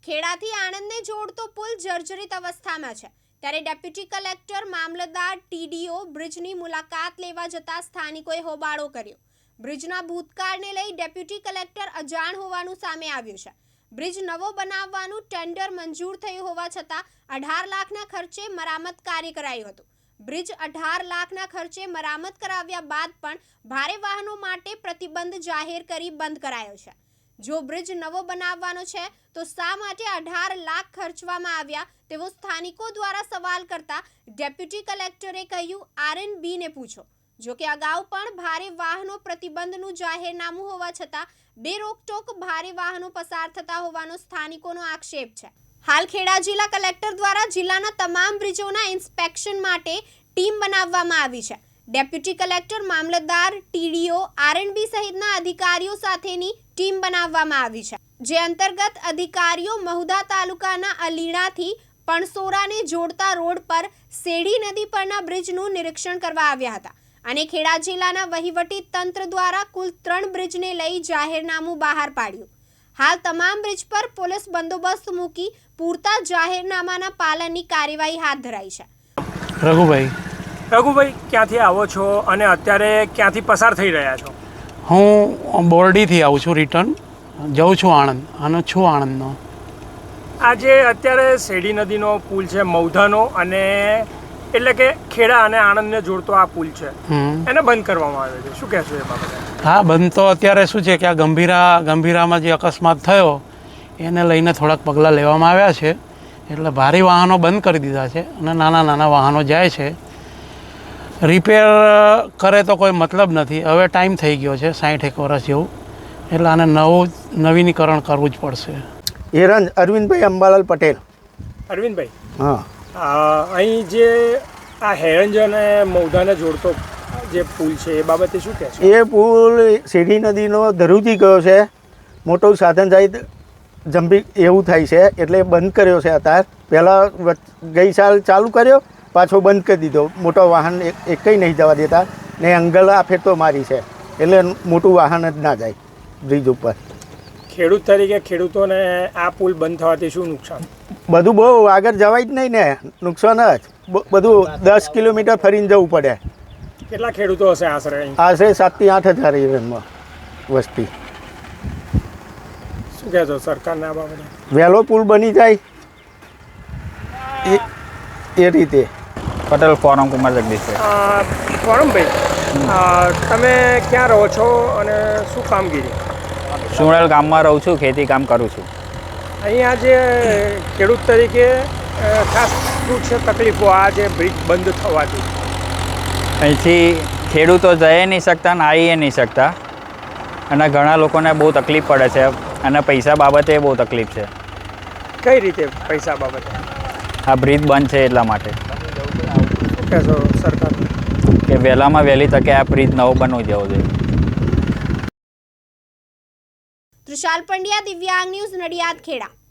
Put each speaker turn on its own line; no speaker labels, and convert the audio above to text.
ખેડાથી આણંદને જોડતો પુલ જર્જરિત અવસ્થામાં છે ત્યારે ડેપ્યુટી કલેક્ટર મામલતદાર ટીડીઓ બ્રિજની મુલાકાત લેવા જતા સ્થાનિકોએ હોબાળો કર્યો। બ્રિજના ભૂતકાળને લઈ ડેપ્યુટી કલેક્ટર અજાણ હોવાનું સામે આવ્યું છે। બ્રિજ નવો બનાવવાનું ટેન્ડર મંજૂર થયું હોવા છતાં 18 લાખના ખર્ચે મરામત કાર્ય કરાયું હતું। બ્રિજ 18 લાખના ખર્ચે મરામત કરાવ્યા બાદ પણ ભારે વાહનો માટે પ્રતિબંધ જાહેર કરી બંધ કરાયો છે। જો બ્રિજ નવો બનાવવાનો છે તો શા માટે 18 લાખ ખર્ચવામાં આવ્યા તેવો સ્થાનિકો દ્વારા સવાલ કરતા ડેપ્યુટી કલેક્ટરે કહ્યું આરએનબી ને પૂછો। જો કે અગાઉ પણ ભારે વાહનો પ્રતિબંધનું જાહેરનામું હોવા છતાં બેરોકટોક ભારે વાહનો પસાર થતા હોવાનો સ્થાનિકોનો આક્ષેપ છે। હાલ ખેડા જિલ્લા કલેક્ટર દ્વારા જિલ્લાના તમામ બ્રિજોના ઇન્સ્પેક્શન માટે ટીમ બનાવવામાં આવી છે। ડેપ્યુટી કલેક્ટર મામલતદાર ટીડીઓ આરએનબી સહિતના અધિકારીઓ સાથેની ટીમ બનાવવામાં આવી છે, જે અંતર્ગત અધિકારીઓ મહુધા તાલુકાના અલીણાથી પણસોરાને જોડતા રોડ પર શેડી નદી પરના બ્રિજનું નિરીક્ષણ કરવા આવ્યા હતા અને ખેડા જિલ્લાના વહીવટી તંત્ર દ્વારા કુલ 3 બ્રિજને લઈ જાહેરનામું બહાર પાડ્યું। હાલ તમામ બ્રિજ પર પોલીસ બંદોબસ્ત મૂકી પૂરતા જાહેરનામાના પાલનની કાર્યવાહી હાથ ધરાઈ છે।
રઘુભાઈ ક્યાંથી આવો છો અને અત્યારે ક્યાંથી પસાર થઈ રહ્યા છો?
હું બોરડીથી આવું છું, રિટર્ન જાઉં છું આણંદ અને છું આણંદનો।
આજે અત્યારે શેડી નદીનો પુલ છે મહુધાનો, અને એટલે કે ખેડા અને આણંદને જોડતો આ પુલ છે, એને બંધ કરવામાં આવ્યો છે, શું કહેશો એ બાબતે?
હા, બંધ તો અત્યારે શું છે કે આ ગંભીરામાં જે અકસ્માત થયો એને લઈને થોડાક પગલાં લેવામાં આવ્યા છે, એટલે ભારે વાહનો બંધ કરી દીધા છે અને નાના વાહનો જાય છે। રિપેર કરે તો કોઈ મતલબ નથી, હવે ટાઈમ થઈ ગયો છે 60 વર્ષ જેવું, એટલે આને નવીનીકરણ કરવું જ પડશે।
હેરંજ અરવિંદભાઈ અંબાલાલ પટેલ।
અરવિંદભાઈ,
હા,
અહીં જે આ હેરંજ અને મહુધાને જોડતો જે પુલ છે એ બાબતે શું કહેશો?
એ પુલ શેડી નદીનો ધરુજી ગયો છે, મોટું સાધન સહિત જંભી એવું થાય છે એટલે બંધ કર્યો છે। અત્યારે પહેલાં ગઈ સાલ ચાલુ કર્યો, પાછો બંધ કરી દીધો। મોટો વાહન એકઈ નહીં જવા દેતા ને અંગલ આ ફેરતો મારી છે, એટલે મોટું વાહન જ ના જાય બ્રિજ ઉપર।
ખેડૂત તરીકે ખેડૂતોને આ પુલ બંધ થવાથી શું નુકસાન?
બધું બહુ આગળ જવાય જ નહીં ને, નુકસાન જ બધું 10 કિલોમીટર ફરીને જવું પડે।
કેટલા ખેડૂતો હશે આશરે?
આશરે 7 થી 8 હજાર એરનમાં વસ્તી।
શું કહેશો સરકારને આ બાબતે?
વહેલો પુલ બની જાય એ રીતે।
પટેલ ફોરમ કુમાર જગદીશ।
ફોરમભાઈ, તમે ક્યાં રહો છો અને શું કામગીરી?
સુણેલ ગામમાં રહું છું, ખેતી કામ કરું છું।
અહીંયા જે ખેડૂત તરીકે ખાસ શું છે તકલીફો આ જે બ્રિજ બંધ થવાથી?
અહીંથી ખેડૂતો જઈ નહીં શકતા ને આવી નહીં શકતા, અને ઘણા લોકોને બહુ તકલીફ પડે છે, અને પૈસા બાબતે બહુ તકલીફ છે।
કઈ રીતે પૈસા બાબતે?
આ બ્રિજ બંધ છે એટલા માટે।
શું કહેશો સરકાર
કે વહેલામાં વહેલી તકે આ બ્રિજ નવો બનવું જવો જોઈએ।
ત્રિશાલ પંડ્યા, દિવ્યાંગ ન્યૂઝ, નડિયાદ, ખેડા।